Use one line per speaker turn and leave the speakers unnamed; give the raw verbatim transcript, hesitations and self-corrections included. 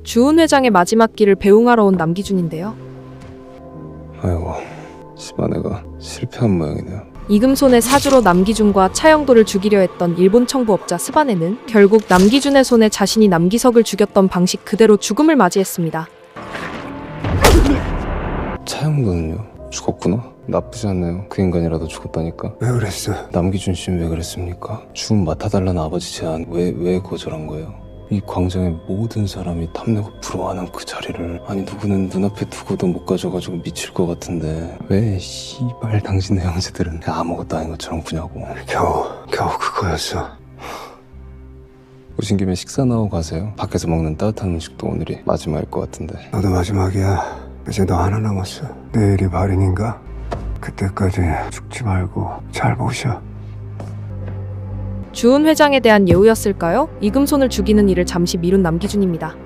주은 회장의 마지막 길을 배웅하러 온 남기준인데요.
아이고, 집안애가 실패한 모양이네요.
이금손의 사주로 남기준과 차영도를 죽이려 했던 일본 청부업자 스바네는 결국 남기준의 손에 자신이 남기석을 죽였던 방식 그대로 죽음을 맞이했습니다.
차영도는요? 죽었구나? 나쁘지 않네요. 그 인간이라도 죽었다니까.
왜 그랬어?
남기준 씨는 왜 그랬습니까? 죽음 맡아달라는 아버지 제안 왜, 왜 거절한 거예요? 이 광장의 모든 사람이 탐내고 부러워하는 그 자리를, 아니 누구는 눈앞에 두고도 못 가져가지고 미칠 것 같은데 왜 씨발 당신네 형제들은 아무것도 아닌 것처럼 구냐고.
겨우 겨우 그거였어.
오신 김에 식사나 하고 가세요. 밖에서 먹는 따뜻한 음식도 오늘이 마지막일 것 같은데.
너도 마지막이야. 이제 너 하나 남았어. 내일이 발인인가? 그때까지 죽지 말고 잘 모셔.
주은 회장에 대한 예우였을까요? 이금손을 죽이는 일을 잠시 미룬 남기준입니다.